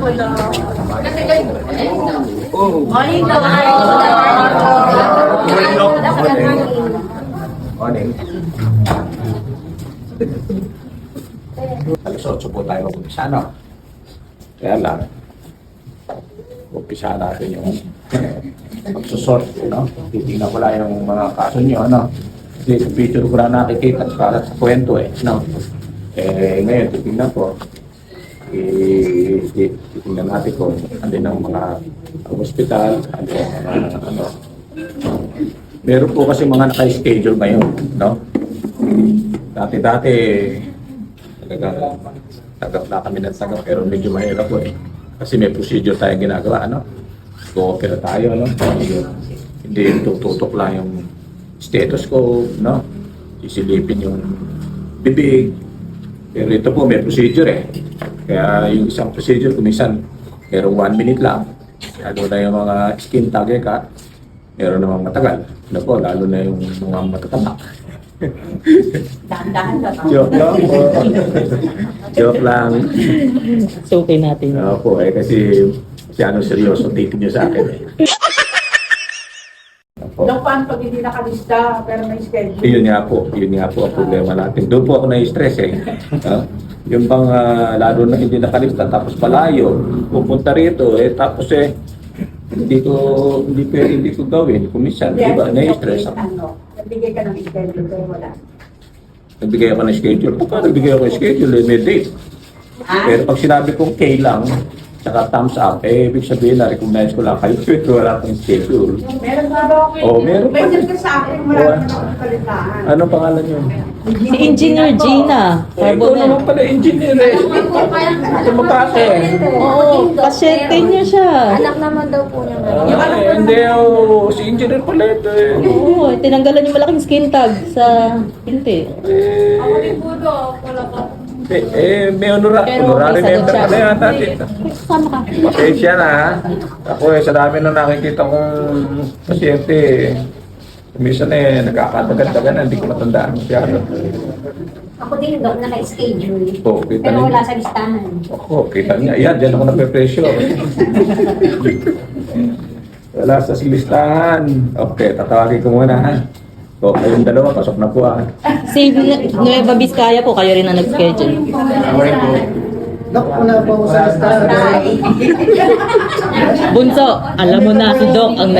Morning. Alas 8 po tayo mag-umpisa, no? Kaya lang, umpisa natin yung magsusort, no? Titignan ko lang yung mga kaso nyo, no? Kasi sa picture ko na nakikita para sa kwento, no? Ngayon, titignan ko. Titignan natin kung andin ang mga hospital, andin ang mga, ano. Meron po kasi mga naka-schedule ngayon, no? Dati-dati, tagap na kami ng tagap, pero medyo mahirap po eh. Kasi may procedure tayong ginagawa, ano? Co-opera tayo, no? Hindi tututok lang yung stethoscope, no? Sisilipin yung bibig. Pero ito po, may procedure eh. Kaya yung isang procedure, kumisan, merong 1 minute lang. Lalo na yung mga skin tag cut, meron namang matagal. Ano po, lalo na yung mga matatamak. Dahan-dahan ka pa. Joke lang po. Joke lang. Suki natin. Po kasi ano seryoso titin nyo sa akin eh. Dok, paano pag hindi nakalista pero may schedule? Yun nga po ang problema natin. Doon po ako na-stress eh. Yung bang lalo na hindi nakalista tapos palayo, pupunta rito eh tapos eh hindi ko gawin. Kumisan, di ba? Na-stress ako. Nagbigay ka ng schedule pero wala. Nagbigay ako ng schedule. Paano nagbigay ako ng schedule? May date. Pero pag sinabi kong K lang, saka thumbs up, ibig sabihin na recognize ko lang kayo, pero wala akong schedule. Meron ba ba? Meron pa. Mention ka sa akin, marami na akong kalitaan. Anong pangalan niyo? Si Engineer Gina. Ikaw naman pala engineer eh. Ito makaka eh. Oo, pasyente niya siya. Anak naman daw po niya ngayon. Hindi si engineer pala ito eh. Oo, tinanggalan yung malaking skin tag sa pinti. May honorary member pala yata dito. Sama ka. Pasensya na ha. Ako sa dami na nakikita kong pasyente minsan nagkakatagan-tagan, hindi ko matandaan masyado. Ako din, Dok, naka-schedule. Kita Pero niyo. wala sa listahan. Kita niya. Ayan, dyan ako nape-pressure. Wala sa listahan. Okay, tatawagin ko muna ha. Kayong dalawa, pasok na po ha. Si Nueva Vizcaya po, kayo rin ang nag-schedule. Dok, wala po ako sa listahan. Bunso, alam mo na si Doc ang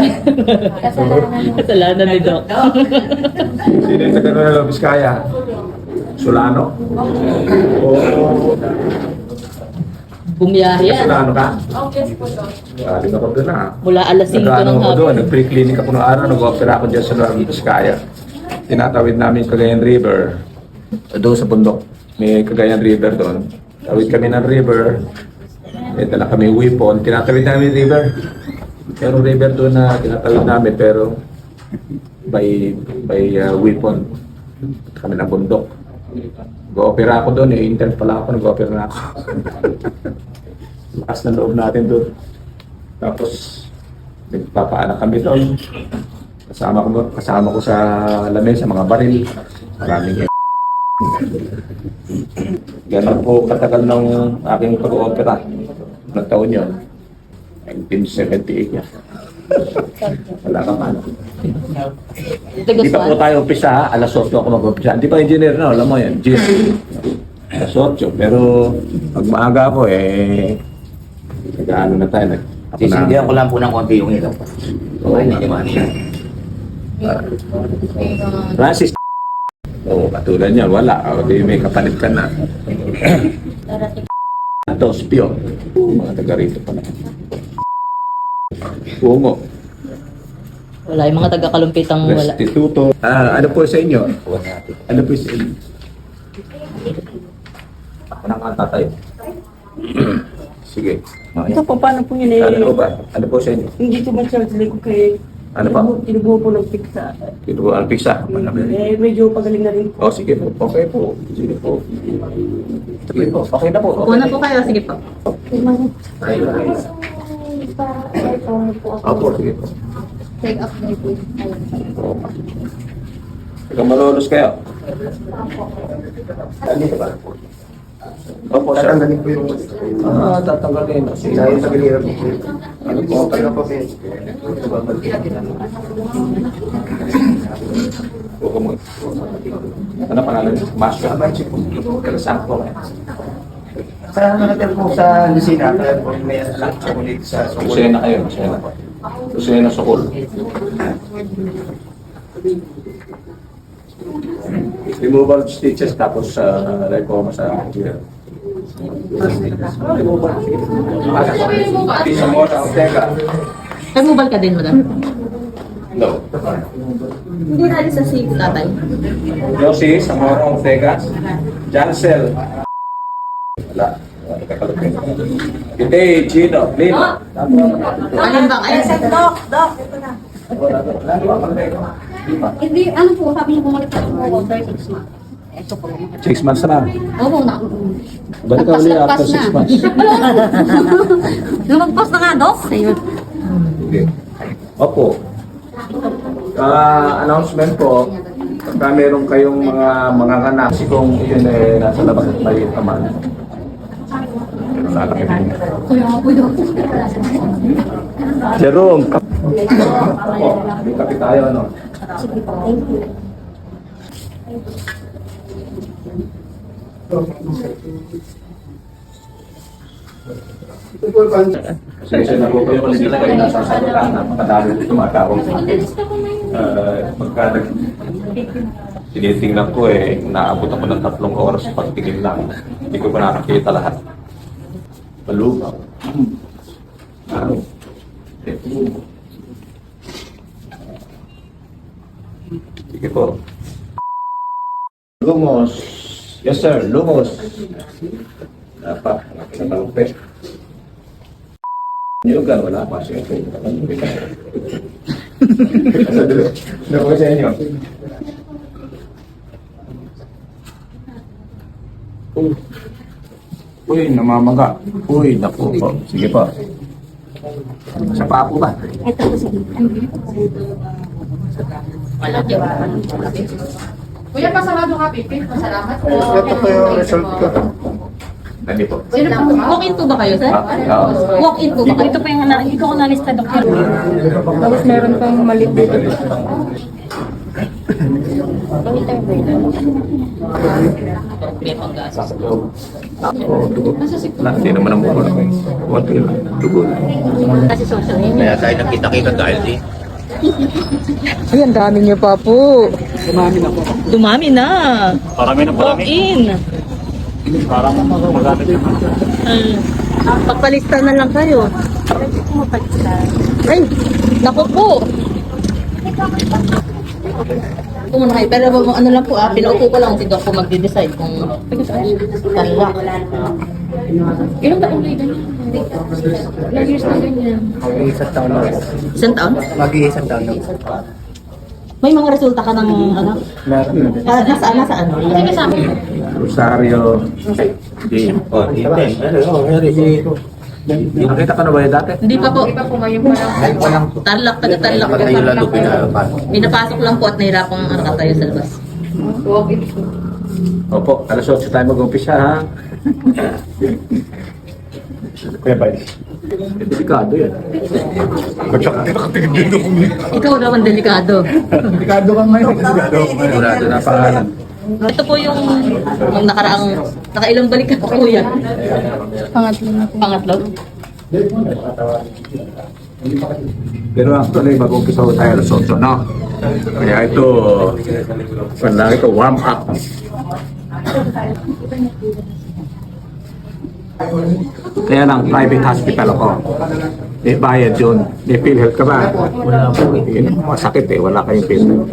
kasalanan ni Doc. Sino yung taga Nueva Vizcaya? Solano? Bumiyahe yan. Solano ka? Galing ako doon ha. Mula alas 5 Nag-ano ng ako doon, hapon. nag-pre-clinic ako noong araw, nag-opera ako dyan sa Nueva Vizcaya. Tinatawid namin Cagayan River. Doon sa bundok, may Cagayan River doon. Tawid kami ng river. May dala kami weapon. Tinatawid namin river. Pero river doon na tinatawid namin pero by weapon. Kami ng bundok. Nag-opera ako doon, intern pala ako, nag-opera na ako. Lakas na loob natin doon. Tapos, nagpapaanak kami doon. Kasama ko sa lamesa, mga baril. Maraming Ganun po katagal ng aking pag-opera. Anong taon yun? 1978 yan. Wala ka man. Hindi pa po tayo umpisa ha. Alas 8 ako mag-umpisa. Hindi pa engineer na, alam mo yan. Alas 8. Pero pag maaga po nag-ano na tayo. Sisindihan ko lang po ng konti yung ito. Okay, hindi naman siya. Francis. Katulad niya, wala. Di may kapalit ka na. Dos, Pio. Mga taga rito pala. Pungo. Wala, yung mga taga-kalumpitang wala. Restituto. Ano po sa inyo? Ano po sa inyo? Ako nang tatay. Sige. Ito po, paano po yun eh? Ano ba? Ano po sa inyo? Hindi ko man siya ko kay... Ano pa? Tinubuho po ng pizza. Ito po, ang pizza. Medyo pagaling na rin po. Oh, sige po. Okay po. Sige po. Sige po. Okay na po. Upo na po kayo, sige po. Opo, sige po. Take up na po. Ikaw malulos kayo. Dito ba? Opo, sir. Tatanggalin po yung Tatanggalin. Kasi, dahil sa bilira po. ano po? Ano po, sir? Huwag mo. Ano pangalan? Masya. Kalasan po. Sa natin po sa Lucina, kaya po may anak sa ulit sa Sukul. Kusena kayo. Kusena. Kusena Sukul. Removal of stitches tapos lipoma sa ear. Removal. Pisa mo sa Ortega. Removal ka din, madam? No. Hindi na rin sa si tatay. Josie, Zamora Ortega. Jansel. Wala. Hindi, Gino. Lino. Alin ba kayo? Hindi, ano po, sabi niyo bumalik ako po after 6 months. Ito po. 6 months na. Oo, na. Balik ka uli after 6 months. Lumagpas na nga, Dok. Ayun. Okay. Opo. Announcement po, pagka meron kayong mga anak, kasi kung yun nasa labas at maliit naman, lalaki din. Kuya nga po, Dok. Jerome! Opo, may kape tayo, ano? Sige po, thank you. Sige, na po kayo kasi talaga yung nasa sagutan, napakadami dito mga tao. Pagka tinitingnan ko naabot ako ng 3 oras pagtingin lang. Hindi ko pa nakakita lahat. Palugaw. Ano? Sige po. Lumos. Yes sir, lumos. Dapat, nakalupit. Niyugan, wala pa siya. Naku sa inyo. Uy, namamaga. Uy, naku po. Sige po. Sa paa po ba? Ito po, sige. Wala dyan. Kuya, pasarado ka, Pipi. Masalamat po. Ito po yung result ko. Nandi po. Sino po ba? Walk-in po ba kayo, sir? Oo. Walk-in po ba kayo? Ito pa yung hindi ko analista, doktor. Tapos meron pang maliit dito. May panggas. Dugo. Hindi naman ang buko lang. Konti lang. Dugo lang. Kasi social media. Kaya tayo nagkita-kita dahil di. Ay, ang dami niyo pa po. Dumami na. Parami na Walk-in. Parang magamit naman. Pagpalista na lang kayo. Ay, naku po. Pumunta kayo. Pero ano lang po pinaupo ko lang si Doc po magde-decide kung talak. Ilang taong kayo ganyan? Ilang years na ganyan? Mag-iisang taon na. Isang taon? Mag-iisang taon na. May mga resulta ka ng ano? Nasaan? Sige sa amin. Rosario. Hindi. Nakita ka na ba yun dati? Hindi pa po. Di ba po ngayon pa lang? Tarlac, taga-tarlac. Dapat tayo lalo pinapasok. Pinapasok lang po at nahirapang tayo sa labas. Walk-in. Opo, alas 8 tayo mag-umpisa ha. Kuya Bay. Delikado yan. Ikaw naman delikado. Delikado ka ngayon. Delikado na pangalan. Ito po yung nakailang balik ka kuya. Pangatlo. Pero actually, mag-umpisa ko tayo alas 8, no? Kaya ito, warm up. Kaya lang, private hospital ako. May bayad yun. May PhilHealth ka ba? Wala po. Masakit wala kayong PhilHealth.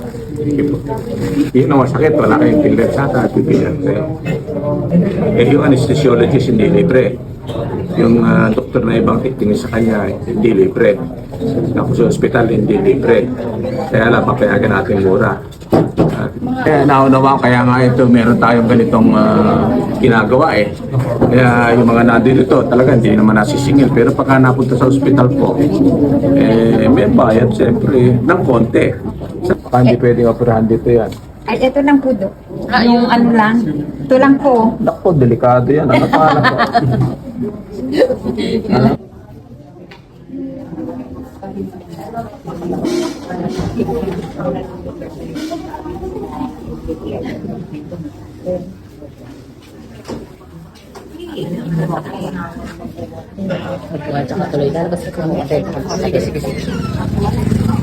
Yun ang masakit, wala kayong PhilHealth sa PhilHealth kayo. Yung anesthesiologist hindi libre. Yung doktor na ibang titingin sa kanya, hindi libre. Ako sa ospital, hindi libre. Kaya lang, papayagan natin mura. Kaya naunawa, kaya nga ito, meron tayong ganitong ginagawa Kaya yung mga nandito talaga hindi naman nasisingil. Pero pagka napunta sa ospital po, may bayad siyempre ng konti. Baka hindi pwedeng operahan dito yan. Ay, ito lang po, Dok. Yung ano lang. Ito lang po. Naku, delikado yan. Ano pa po? Tsaka tuloy lalabas ko. Sige, sige.